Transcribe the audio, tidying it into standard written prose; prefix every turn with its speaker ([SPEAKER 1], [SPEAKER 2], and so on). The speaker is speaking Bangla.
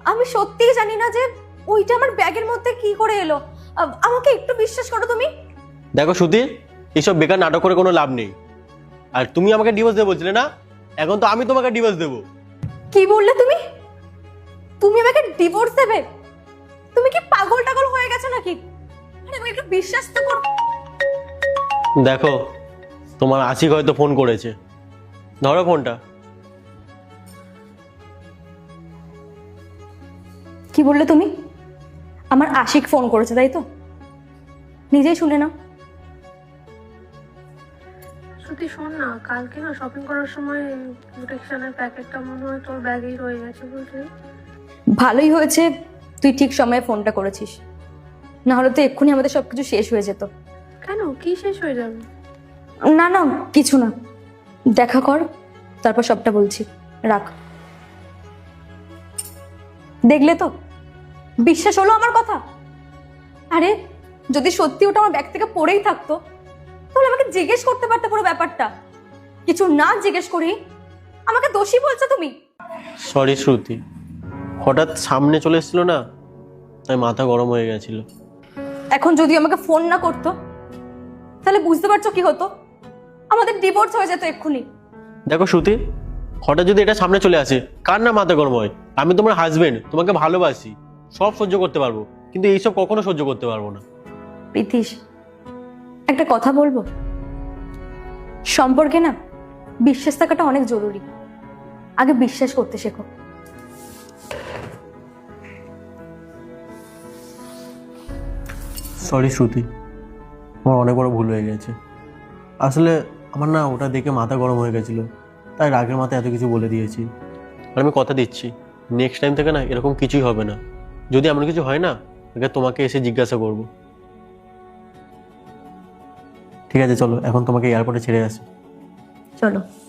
[SPEAKER 1] আমি সত্যিই জানি না যে ওইটা আমার ব্যাগের মধ্যে কি করে এলো। আমাকে একটু বিশ্বাস করো তুমি।
[SPEAKER 2] দেখো শ্রুতি, এইসব বেকার নাটক করে কোনো লাভ নেই। আর তুমি আমাকে ডিভোর্স দেবো বলছিলে না, এখন তো আমি তোমাকে ডিভোর্স দেবো।
[SPEAKER 1] কি বললে তুমি? তুমি আমাকে ডিভোর্স দেবে? তুমি কি পাগল টাগল হয়ে গেছো নাকি? আরে আমি একটু বিশ্বাস তো করো।
[SPEAKER 2] দেখো, তোমার আশিক হয়তো ফোন করেছে, ধরো ফোনটা।
[SPEAKER 1] কি বললে তুমি? আমার আশিক ফোন করেছে তাই তো? নিজেই শুনে নাও।
[SPEAKER 3] শ্রুতি শোন না, কালকে না শপিং করার সময় প্রোটেকশনের প্যাকেটটা মনে হয় তোর ব্যাগেই রয়ে গেছে, বুঝলি?
[SPEAKER 1] ভালোই হয়েছে তুই ঠিক সময়ে ফোনটা করেছিস, না হলে তো এক্ষুনি আমাদের সবকিছু শেষ হয়ে যেত।
[SPEAKER 3] কেন, কি শেষ হয়ে যাবে?
[SPEAKER 1] না না, কিছু না, দেখা কর তারপর সবটা বলছি। রাখ। দেখলে তো, বিশ্বাস হলো আমার কথা? আরে যদি সত্যি ওটা আমার ব্যাগ থেকে পড়েই থাকতো তাহলে আমাকে জিজ্ঞেস করতে পারতে পুরো ব্যাপারটা। কিছু না জিজ্ঞেস করি আমাকে দোষী বলছো তুমি।
[SPEAKER 2] সরি শ্রুতি, হঠাৎ সামনে চলে এসেছিল না, তাই মাথা গরম হয়ে গেছিল।
[SPEAKER 1] এখন যদি আমাকে ফোন না করতো তাহলে বুঝতে পারছো কি হতো? আমাদের ডিভোর্স হয়ে যেত এক্ষুনি।
[SPEAKER 2] দেখো শ্রুতি, হঠাৎ যদি এটা সামনে চলে আসে, কার না মাথা গরম হয়? আমি তোমার হাজবেন্ড, তোমাকে ভালোবাসি, সব সহ্য করতে পারবো, কিন্তু এইসব কখনো সহ্য করতে পারবো না।
[SPEAKER 1] প্রীতিশ, একটা কথা বলবো? সম্পর্কে না বিশ্বাস থাকাটা অনেক জরুরি। আগে বিশ্বাস করতে শেখো।
[SPEAKER 2] সরি শ্রুতি, আমার অনেক বড় ভুল হয়ে গেছে। আসলে আমার না ওটা দেখে মাথা গরম হয়ে গেছিলো, তাই রাগের মাথায় এত কিছু বলে দিয়েছি। আর আমি কথা দিচ্ছি, নেক্সট টাইম থেকে না এরকম কিছুই হবে না। যদি এমন কিছু হয় না, আগে তোমাকে এসে জিজ্ঞাসা করব। ঠিক আছে চলো, এখন তোমাকে এয়ারপোর্টে ছেড়ে আসি।
[SPEAKER 1] চলো।